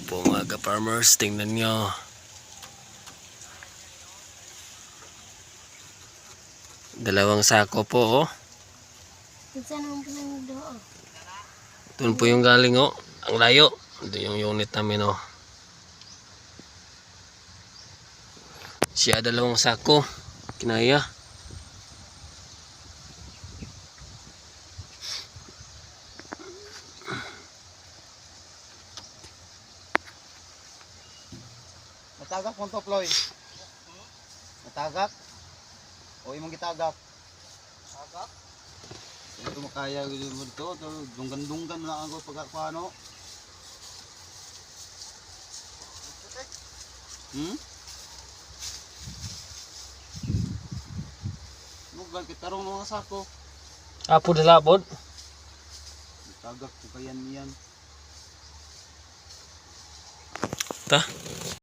po mga ka-farmers, tingnan nyo. Dalawang sako po oh. Doon po yung galing oh. Ang layo. Ito yung unit namin oh. Siya dalawang sako. Kinaya. Matagak mo to, Ploy. Matagak. O imong gitagak. Tagak? Ito makaya dito. Dunggan-dunggan lang ako pag ano. Nugal kitarong ng mga sako. Apo dalabod. Tagak ko kayan yan. Ta.